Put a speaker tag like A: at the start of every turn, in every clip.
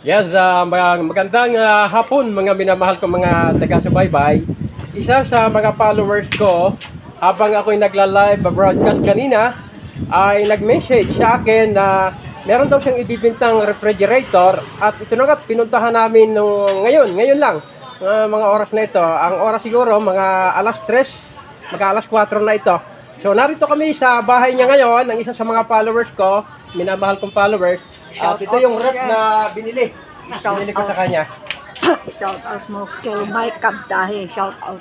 A: Yes, magandang hapon mga minamahal kong mga taga-subaybay. Isa sa mga followers ko, habang ako'y nagla-live broadcast kanina, ay nag-message sa akin na meron daw siyang ibibintang refrigerator at ito na nga, pinuntahan namin ngayon lang, mga oras na ito. Ang oras siguro, mga alas 3, mag-alas 4 na ito. So narito kami sa bahay niya ngayon, ng isa sa mga followers ko, minamahal kong followers. At ito yung rep na binili ko sa kanya.
B: Shout out mo kay Mike Kabdahe. Shout out.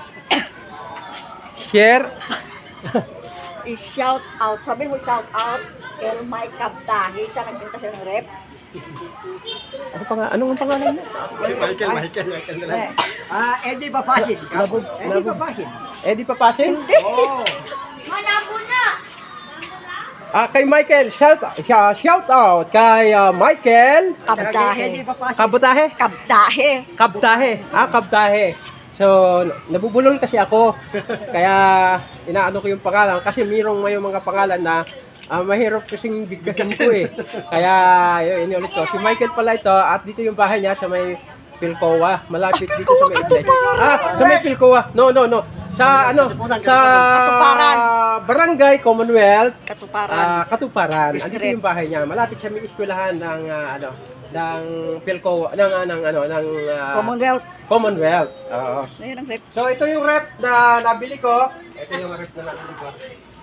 A: Share.
B: I-shout out. Sabi mo shout out kay Mike Kabdahe. Siya nagpunta siya ng rep.
A: Anong pangalan niya?
C: Michael na lang. Eddie Papasin. Eddie Papasin.
A: Eddie Papasin?
C: Oo.
B: Manabo na!
A: Kay Michael, shout out kay Michael
B: Kabdahe.
C: Eddie Papasin.
A: Kabutahe?
B: Kabdahe.
A: Kabtahe. Kabtahe. So, nabubulol kasi ako. Kaya, inaano ko yung pangalan. Kasi may mga pangalan na mahirap kasing bigkasin ko eh. Kaya, yun, inulit ko. Si Michael pala ito. At dito yung bahay niya sa may Pilcoa. Malapit dito sa may sa may Pilcoa. No. Sa
B: Katuparan.
A: Barangay Commonwealth.
B: Katuparan.
A: Katuparan.
B: Street.
A: Andito yung bahay niya. Malapit siya may eskwelahan ng ng Pilcoa, ng Commonwealth. Oo.
B: Ayun ang rep.
A: So ito yung rep na nabili ko. Ito yung rep na nabili ko.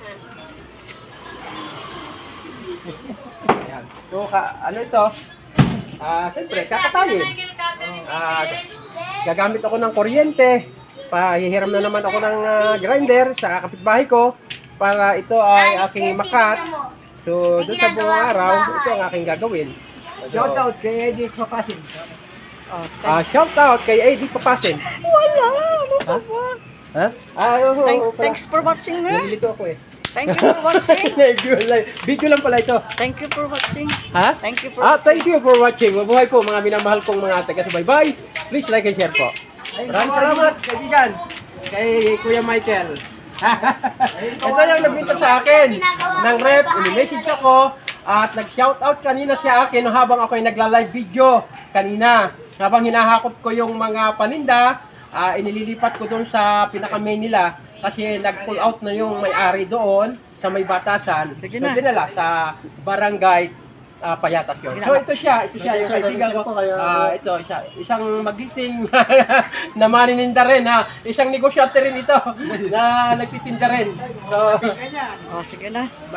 A: Ayan. So ano ito? Siyempre, kakatayin. Gagamit ako ng kuryente. Pahihiram na naman ako ng grinder sa kapitbahay ko para ito ay aking makat. So, doon sa buong araw, ito ang aking gagawin.
C: Shout out kay Eddie Papasin.
A: Shout out kay Eddie Papasin.
B: Wala. Ano pa ba?
A: Ha?
B: Thanks for watching nga.
A: Nalilito ako eh.
B: Thank you for watching.
A: Video lang pala ito.
B: Thank you for watching.
A: Ha?
B: Thank you for
A: Thank you for watching. Mabuhay po mga minamahal kong mga taga-subaybay. Please like and share po. Maraming salamat, kaibigan. Kay Kuya Michael. Ito yung nagbinta sa akin ng rep. Ini-message ako at nag-shoutout kanina siya akin habang ako ay nagla-live video kanina. Habang hinahakot ko yung mga paninda, inililipat ko doon sa pinaka-main nila kasi nag-pull out na yung may-ari doon sa may batasan.
B: Sige
A: So
B: na.
A: dinala sa barangay Payatas yun. So ito siya yung kaibigan ko. Ito isang magiting na manininda rin ha. Isang negosyante rin ito na nagtitinda rin. So
B: sige na.